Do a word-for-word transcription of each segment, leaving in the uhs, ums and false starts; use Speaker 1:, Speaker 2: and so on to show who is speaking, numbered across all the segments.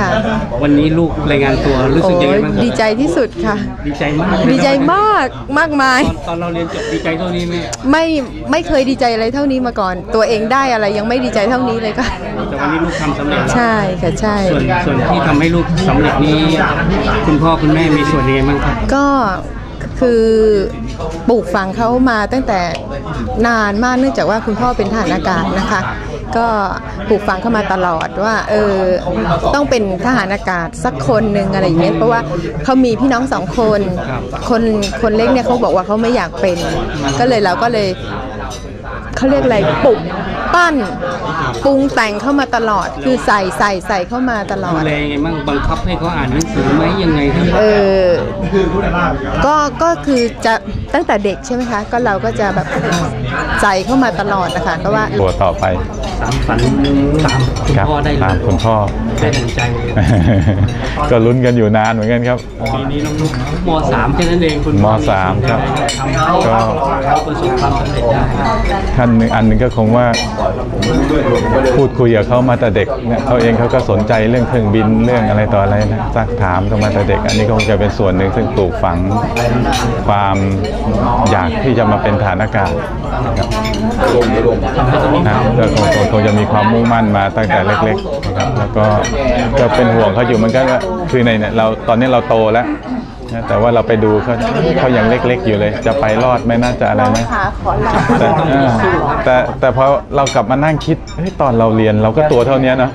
Speaker 1: ค่ะ
Speaker 2: วันนี้ลูกรายงานตัวรู้สึกยังไงบ้าง
Speaker 1: ดีใจที่สุดค่ะ
Speaker 2: ดีใจมาก
Speaker 1: ดีใจมากมากมาย
Speaker 2: ตอนเราเรียนจบดีใจเท่านี้ไหม
Speaker 1: ไม่ไม่เคยดีใจอะไรเท่านี้มาก่อนตัวเองได้อะไรยังไม่ดีใจเท่านี้เลยค่ะ
Speaker 2: แต่วันนี้ลูกทำสำเร็จ
Speaker 1: ใช่ค่ะใช่
Speaker 2: ส่วนส่วนที่ทำให้ลูกสำเร็จนี้คุณพ่อคุณแม่มีส่วนยังไงบ้างครับ
Speaker 1: ก็คือปลูกฝังเขามาตั้งแต่นานมากเนื่องจากว่าคุณพ่อเป็นทหารอากาศนะคะก็ปลูกฝังเข้ามาตลอดว่าเออต้องเป็นทหารอากาศสักคนหนึ่งอะไรอย่างเงี้ยเพราะว่าเขามีพี่น้องสองคนคนคนเล็กเนี่ยเขาบอกว่าเขาไม่อยากเป็นก็เลยเราก็เลยเขาเรียกอะไรปลุกปั้นปรุงแต่งเข้ามาตลอดคือใส่ใส่ใส่เข้ามาตลอด
Speaker 2: ดูแลยังไงบ้างบังคับให้เขาอ่านหนังสือไหมยังไงครับ
Speaker 1: เออก็ก็คือจะตั้งแต่เด็กใช่ไหมคะก็เราก็จะแบบใส่เข้ามาตลอดนะคะก็ว่า
Speaker 3: ตัวต่อไป
Speaker 2: สามฝันตามคุณพ่อได้
Speaker 3: ตามคุณพ่อ
Speaker 2: ได้ดังใจ
Speaker 3: ก็ลุ้นกันอยู่นานเหมือนกันครับ
Speaker 2: ปีนี้น้องลูกม.สามแค่นั้นเองคุณ
Speaker 3: ม.สามครับ
Speaker 2: ก็ประสบความสำเร็จได้
Speaker 3: ท่านหนึ่งอันหนึ่งก็คงว่าพูดคุยกับเขามาแต่เด็กเนี่ยเขาเองเขาก็สนใจเรื่องเครื่องบินเรื่องอะไรต่ออะไรนะซักถามกันมาแต่เด็กอันนี้คงจะเป็นส่วนหนึ่งซึ่งปลูกฝังความอยากที่จะมาเป็นทหารอากาศนะก็คงคงจะมีความมุ่งมั่นมาตั้งแต่เล็กๆนะครับแล้วก็ก็เป็นห่วงเขาอยู่มันก็คือในเนี่ยเราตอนนี้เราโตแล้วแต่ว่าเราไปดูเขาเขายังเล็กๆอยู่เลยจะไปรอดไหมน่าจะอะไรไหมแต่แต่แต่พอเรากลับมานั่งคิดเฮ้ยตอนเราเรียนเราก็ตัวเท่านี้นะ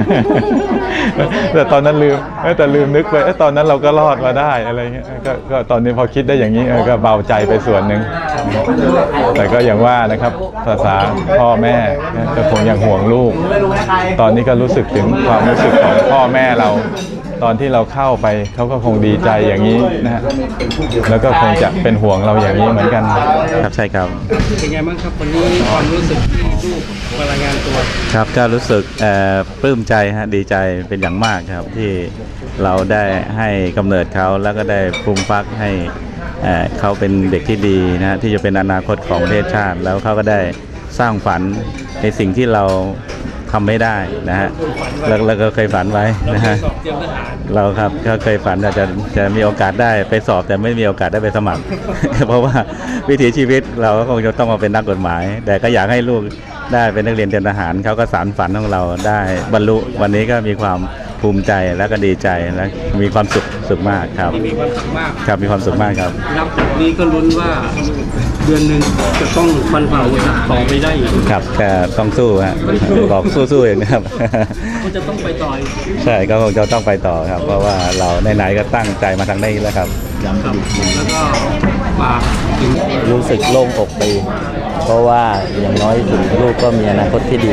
Speaker 3: แต่ตอนนั้นลืมแต่ลืมนึกไปตอนนั้นเราก็รอดมาได้อะไรเงี้ยก็ก็ตอนนี้พอคิดได้อย่างนี้ก็เบาใจไปส่วนหนึ่งแต่ก็อย่างว่านะครับภาษาพ่อแม่ก็คงยังห่วงลูกตอนนี้ก็รู้สึกถึงความรู้สึกของพ่อแม่เราตอนที่เราเข้าไปเขาก็คงดีใจอย่างนี้นะฮะแล้วก็คงจะเป็นห่วงเราอย่างนี้เหมือนกันครับใช่ครับ
Speaker 2: เป็นไงบ้างครับวันนี้ความรู้สึกที่ลูกมารายงานตัว
Speaker 3: ครับก็รู้สึกปลื้มใจฮะดีใจเป็นอย่างมากครับที่เราได้ให้กำเนิดเขาแล้วก็ได้ปรุงฟักให้เขาเป็นเด็กที่ดีนะที่จะเป็นอนาคตของประเทศชาติแล้วเขาก็ได้สร้างฝันในสิ่งที่เราทำไม่ได้นะฮะเราก็เคยฝันไว้นะฮะเราครับก็เคยฝันอาจจะจะมีโอกาสได้ไปสอบแต่ไม่มีโอกาสได้ไปสมัครเพราะว่าวิถีชีวิตเราก็คงจะต้องมาเป็นนักกฎหมายแต่ก็อยากให้ลูกได้เป็นนักเรียนเตรียมทหารเขาก็สานฝันของเราได้บรรลุวันนี้ก็มีความภูมิใจแล้วก็ดีใจและมีความสุขสุขมากครับ
Speaker 2: มีความสุขมาก
Speaker 3: ครับมีความสุขมากครับ
Speaker 2: นับจากนี้ก็ลุ้นว่าเดือนหนึ่งจะต้องฟันฝ่าอุปสรรคต่อไปได้
Speaker 3: ครับแต่ต้องสู้ฮะบอกสู้ๆเองนะครับ
Speaker 2: ก็จะต้องไปต่อ
Speaker 3: ใช่ก็คงจะต้องไปต่อครับเพราะว่าเราไหนๆก็ตั้งใจมาทางนี้แล้วครับ
Speaker 2: ครับแล้วก็มา
Speaker 4: รู้สึกโล่งอกไปเพราะว่าอย่างน้อยสุดลูกก็มีอนาคตที่ดี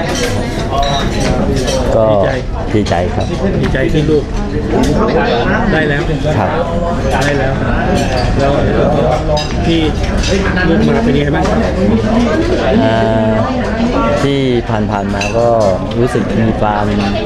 Speaker 4: ก็ดีใจครับ
Speaker 2: ดีใจที่ลูกได้แล้ว
Speaker 4: ครับ
Speaker 2: ได้แล้วแล้วที่ลูกมาเป็นยังไงบ้าง
Speaker 4: ที่ผ่านๆมาก็รู้สึกมีความ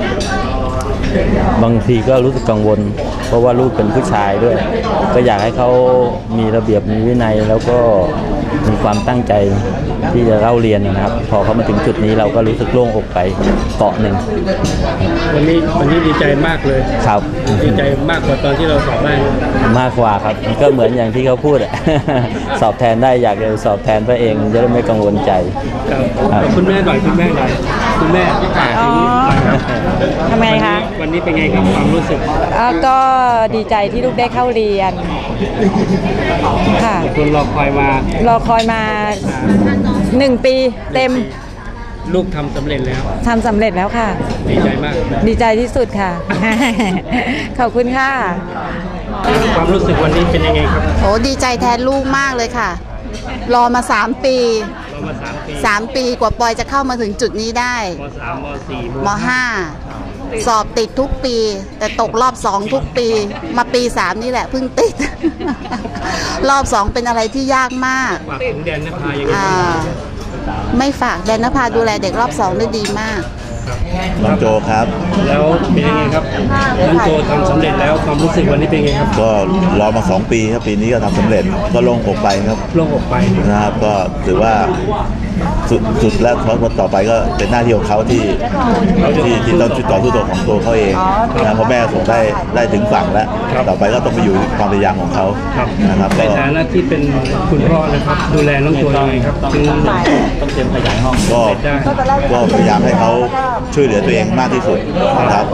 Speaker 4: บางทีก็รู้สึกกังวลเพราะว่าลูกเป็นผู้ชายด้วยก็อยากให้เขามีระเบียบมีวินัยแล้วก็มีความตั้งใจที่จะเล่าเรียนนะครับพอเขามาถึงจุดนี้เราก็รู้สึกโล่งอกไปเกาะหนึ่ง
Speaker 2: วันนี้วันนี้ดีใจมากเลย
Speaker 4: ครับ
Speaker 2: ดีใจมากกว่าตอนที่เราสอบได้
Speaker 4: มากกว่าครับก็เหมือนอย่างที่เขาพูดสอบแทนได้อยากจะสอบแทนพระเองจะได้ไม่กังวลใจ
Speaker 2: ครับคุณแม่หน่อยคุณแม่หน่อยคุณแม่
Speaker 5: ทำไงคะ
Speaker 2: วันนี้เป็นไงครับความรู้สึก
Speaker 5: ก็ดีใจที่ลูกได้เข้าเรียนค่ะ
Speaker 2: คุณรอคอยม
Speaker 5: ารอคอยมาหนึ่งปีเต็ม
Speaker 2: ลูกทำสำเร็จแล้ว
Speaker 5: ทำสำเร็จแล้วค่ะ
Speaker 2: ดีใจมาก
Speaker 5: ดีใจที่สุดค่ะขอบคุณค่ะ
Speaker 2: ความรู้สึกวันนี้เป็นยังไงครับ
Speaker 6: โอ้ดีใจแทนลูกมากเลยค่ะรอมาสามปีสามปีกว่าปอยจะเข้ามาถึงจุดนี้ได้
Speaker 2: ม.สาม ม.สี่
Speaker 6: ม.ห้าสอบติดทุกปีแต่ตกรอบสองทุกปีมาปีสามนี่แหละเพิ่งติดรอบสองเป็นอะไรที่ยากมาก
Speaker 2: ฝากถึงแดนนภายังไง
Speaker 6: ไม่ฝากแดนนภาดูแลเด็กรอบสองได้ดีมาก
Speaker 7: น้องโจครับ
Speaker 2: แล้วเป็นยังไงครับน้องโจทำสำเร็จแล้วความรู้สึกวันนี้เป็นยังไงครับ
Speaker 7: ก็รอมาสองปีครับปีนี้ก็ทำสำเร็จก็โล่งอกไปครับ
Speaker 2: โล่งอกไป
Speaker 7: นะครับก็ถือว่าสุดสุดแล้วเพราะต่อไปก็เป็นหน้าที่ของเขาที่ที่ที่ต้องต่อสู้ตัวของตัวเขาเองนะเพราะแม่ส่งได้ได้ถึงฝั่งแล้วต่อไปก็ต้องไปอยู่ความพยายามของเขานะครับ
Speaker 2: ใน
Speaker 7: ก็
Speaker 2: ฐานะที่เป็นคุณพ่อนะครับดูแลน้องโจยังไงครับถึง
Speaker 4: ต้องเตรียมขยายห้อง
Speaker 7: ก็ก็พยายามให้เขาช่วยเหลือตัวเองมากที่สุดนะครับ